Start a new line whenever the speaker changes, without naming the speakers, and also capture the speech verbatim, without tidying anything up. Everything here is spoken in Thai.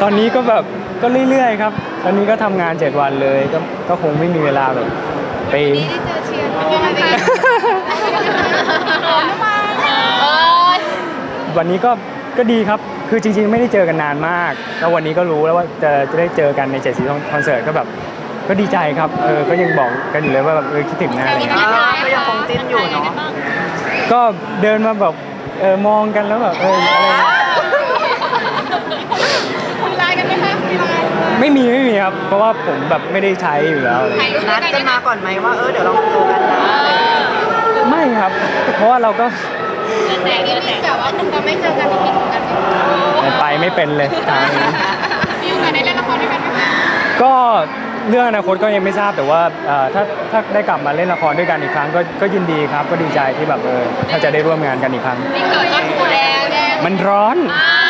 ตอนนี้ก็แบบก็เรื่อยๆครับตอนนี้ก็ทำงานเจ็ดวันเลยก็ก็คงไม่มีเวลาแบบไป
นี่ได้เจอเชียร์เป็นยังไงบ้าง
วันนี้ก็ก็ดีครับคือจริงๆไม่ได้เจอกันนานมากแล้ววันนี้ก็รู้แล้วว่าจะจะได้เจอกันในเจ็ดสีคอนเสิร์ตก็แบบก็ดีใจครับเออก็ยังบอกกันอยู่เลยว่าแบบเออคิดถึงนะอะไรเงี้ย
ก็ยังคงจิ้นอยู่เนาะ
ก็เดินมาแบบเออมองกันแล้วแบบเอออะไร
คุยไลน์กันไหมคะคุยไลน์
ไม่มีไม่มีครับเพราะว่าผมแบบไม่ได้ใช้อยู่แล้วอะไร
นัดกันมาก่อนไหมว่าเออเดี๋ยวเรามาเจอกันนะ
ไม่ครับ เพราะว่าเราก็
แต่นี่มีแบบว่าคุณก็ไม่เจอกันที่คิดถึงกันไหม
ไปไม่เป็นเลยทางนี้
มีโอกาสได้เล่นละครด้วยกันไหมคะ
ก็เรื่องอนาคตก็ยังไม่ทราบแต่ว่าถ้าถ้าได้กลับมาเล่นละครด้วยกันอีกครั้งก็ก็ยินดีครับก็ดีใจที่แบบเออถ้าจะได้ร่วมงานกันอีกครั้ง
นี่เกิดก็ถูกแล้ว
มันร้อน
อ่า